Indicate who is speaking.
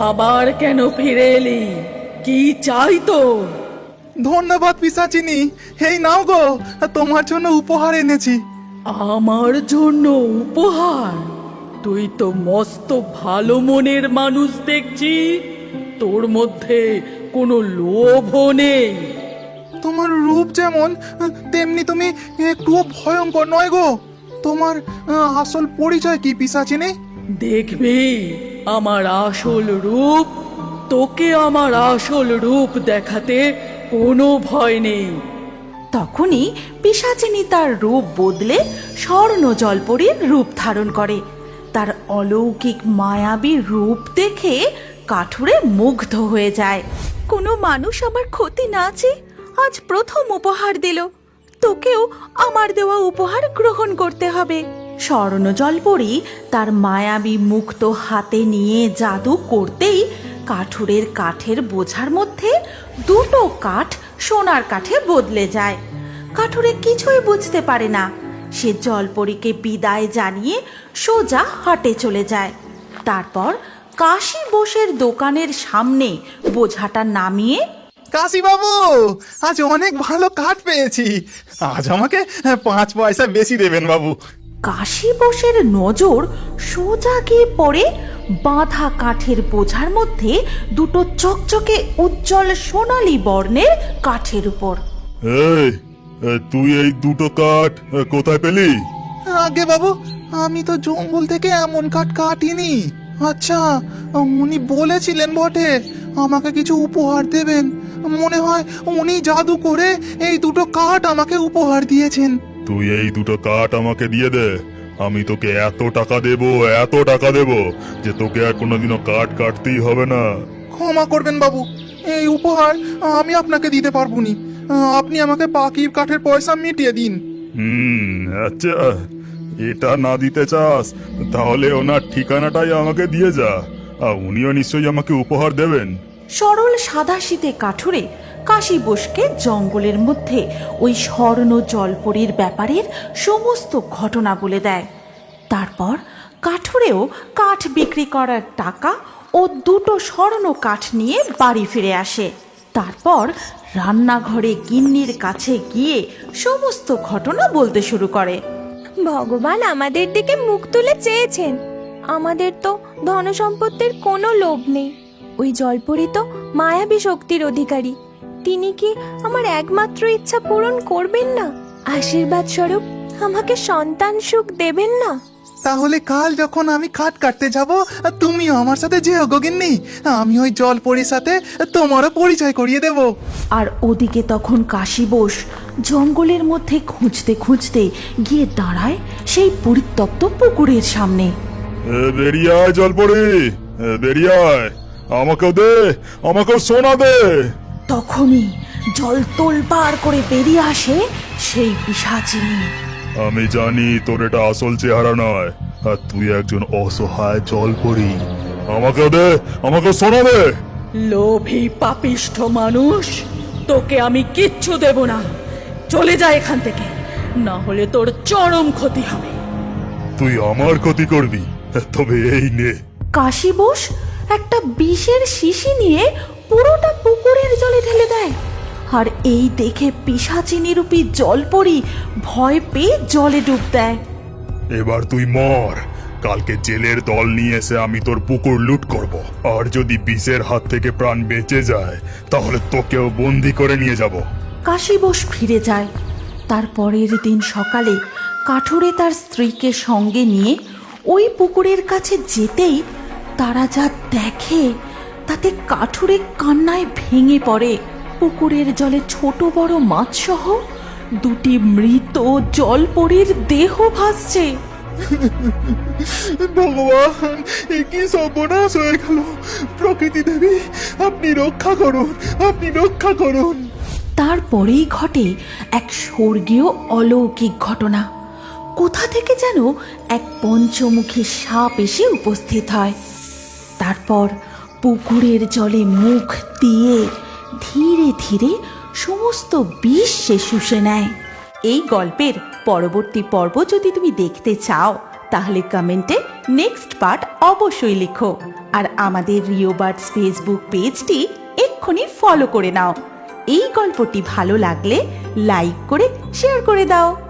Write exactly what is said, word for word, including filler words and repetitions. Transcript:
Speaker 1: আবার কেন ফিরে এলি? কি চাই তোর?
Speaker 2: ধন্যবাদ পিশাচিনী, এই নাও গো, তোমার জন্য উপহার এনেছি।
Speaker 1: আমার জন্য উপহার? তুই তো মস্ত ভালো মনের মানুষ দেখছি, তোর মধ্যে কোনো লোভও নেই।
Speaker 2: তোমার রূপ যেমন তেমনি তুমি একটুও ভয়ঙ্কর নয় গো। তোমার আহ, আসল পরিচয় কি পিশাচিনী?
Speaker 1: দেখবি আমার আসল রূপ? তোকে আমার আসল রূপ দেখাতে কোনো ভয় নেই।
Speaker 3: তখনই পিশাচিনী তার রূপ বদলে স্বর্ণ জলপরীর রূপ ধারণ করে। তার অলৌকিক মায়াবী রূপ দেখে কাঠুরে মুগ্ধ হয়ে যায়। কোনো মানুষ আমার ক্ষতি না চেয়ে আজ প্রথম উপহার দিল, তোকেও আমার দেওয়া উপহার গ্রহণ করতে হবে। স্বর্ণ জলপরী তার মায়াবী মুক্ত হাতে নিয়ে জাদু করতেই কাঠুরের কাঠের বোঝার মধ্যে দুটো কাঠ সোনার কাঠে বদলে যায়। কাঠুরে কিছুই বুঝতে পারে না। সে জলপরীকে বিদায় জানিয়ে সোজা হাটে চলে যায়। তারপর কাশী বোসের দোকানের সামনে বোঝাটা নামিয়ে,
Speaker 2: কাশী বাবু, আজ অনেক ভালো কাঠ পেয়েছি, আজ আমাকে পাঁচ পয়সা বেশি দেবেন বাবু।
Speaker 3: কাশী বোসের নজর সোজা গিয়ে পড়ে বাঁধা কাঠের বোঝার মধ্যে দুটো চকচকে উজ্জ্বল সোনালী বর্ণের কাঠের উপর।
Speaker 4: এই, তুই এই দুটো কাঠ কোথায় পেলি?
Speaker 2: আগে বাবু, আমি তো জঙ্গল থেকে এমন কাঠ কাটিনি। আচ্ছা, উনি বলেছিলেন বটে আমাকে কিছু উপহার দেবেন। মনে হয় উনি জাদু করে এই দুটো কাঠ আমাকে উপহার দিয়েছেন।
Speaker 4: তুই এই দুটো কাঠ আমাকে দিয়ে দে, আমি তোকে এত টাকা দেব, এত টাকা দেব যে তোকে আর কোনোদিনও কাঠ কাটতেই হবে না।
Speaker 2: ক্ষমা করবেন বাবু, এই উপহার আমি আপনাকে দিতে পারবো নি। আপনি আমাকে বাকি কাঠের পয়সা মিটিয়ে দিন।
Speaker 4: হুম, আচ্ছা, এটা না দিতে চাস তাহলে ওনার ঠিকানাটাই আমাকে দিয়ে যা, আর উনিও নিশ্চয়ই আমাকে উপহার দেবেন।
Speaker 3: সরল সাদাশীতে কাঠুরে কাশী বোসকে জঙ্গলের মধ্যে ওই স্বর্ণ জলপরীর ব্যাপারের সমস্ত ঘটনা বলে দেয়। তারপর কাঠুরেও কাঠ বিক্রি করার টাকা ও দুটো স্বর্ণ কাঠ নিয়ে বাড়ি ফিরে আসে। তারপর রান্নাঘরে গিন্নির কাছে গিয়ে সমস্ত ঘটনা বলতে শুরু করে।
Speaker 5: ভগবান আমাদের দিকে মুখ তুলে চেয়েছেন। আমাদের তো ধন সম্পত্তির কোনো লোভ নেই। ওই জলপরী তো মায়াবী শক্তির অধিকারী। তিনি কি আমার একমাত্র ইচ্ছা পূরণ করবেন না? আশীর্বাদ স্বরূপ আমাকে সন্তান সুখ দেবেন না?
Speaker 2: তাহলে কাল যখন আমি কাঠ কাটতে যাব, তুমিও আমার সাথে যেও গো গিন্নি। আমি ওই জলপরীর সাথে তোমারও পরিচয় করিয়ে দেব।
Speaker 3: আর ওদিকে তখন কাশী বোস জঙ্গলের মধ্যে খুঁজতে খুঁজতে গিয়ে দাঁড়ায় সেই পরিত্যক্ত পুকুরের সামনে।
Speaker 4: এ, বেরিয়ে আয় জলপরি, এ, বেরিয়ে আয়, আমাকেও দে, আমাকেও সোনা দে।
Speaker 3: তখনই জল তোলপাড় করে বেরিয়ে আসে সেই পিশাচিনী।
Speaker 4: আমি জানি তোর এটা আসল চেহারা নয়, আর তুই একজন অসহায় জলপরি। আমাকেও দে, আমাকেও সোনা দে।
Speaker 1: লোভী পাপিষ্ঠ মানুষ, তোকে আমি কিচ্ছু দেব না। চলে যা এখান থেকে, না হলে তোর চরম ক্ষতি হবে।
Speaker 4: তুই আমার ক্ষতি করবি, তবে এই নে।
Speaker 3: কাশী বোস একটা বিষের শিশি নিয়ে পুরোটা পুকুরের জলে ঢেলে দেয়। আর এই দেখে পিশাচিনী রূপী জলপরী ভয় পেয়ে জলে ডুব দেয়।
Speaker 4: এবার তুই মর, কালকে জেলের দল নিয়ে এসে আমি তোর পুকুর লুট করব, আর যদি বিষের হাত থেকে প্রাণ বেঁচে যায় তাহলে তোকেও বন্দি করে নিয়ে যাব।
Speaker 3: কাশী বোস ফিরে যায়। তার পরের দিন সকালে কাঠুরে তার স্ত্রীকে সঙ্গে নিয়ে ওই পুকুরের কাছে যেতেই তারা যা দেখে তাতে কাঠুরে কান্নায় ভেঙে পড়ে। পুকুরের জলে ছোট বড় মাছ সহ দুটি মৃত জলপরীর দেহ ভাসছে।
Speaker 2: ভগবান, এ কি সর্বনাশ হয়ে গেল! প্রকৃতি দেবী, আপনি রক্ষা করুন, আপনি রক্ষা করুন।
Speaker 3: তারপরেই ঘটে এক স্বর্গীয় অলৌকিক ঘটনা। কোথা থেকে যেন এক পঞ্চমুখী সাপ এসে উপস্থিত হয়। তারপর পুকুরের জলে মুখ দিয়ে ধীরে ধীরে সমস্ত বিষ সে শুষে নেয়। এই গল্পের পরবর্তী পর্ব যদি তুমি দেখতে চাও তাহলে কমেন্টে নেক্সট পার্ট অবশ্যই লিখো আর আমাদের রিও বার্ডস ফেসবুক পেজটি এক্ষুনি ফলো করে নাও। এই গল্পটি ভালো লাগলে লাইক করে শেয়ার করে দাও।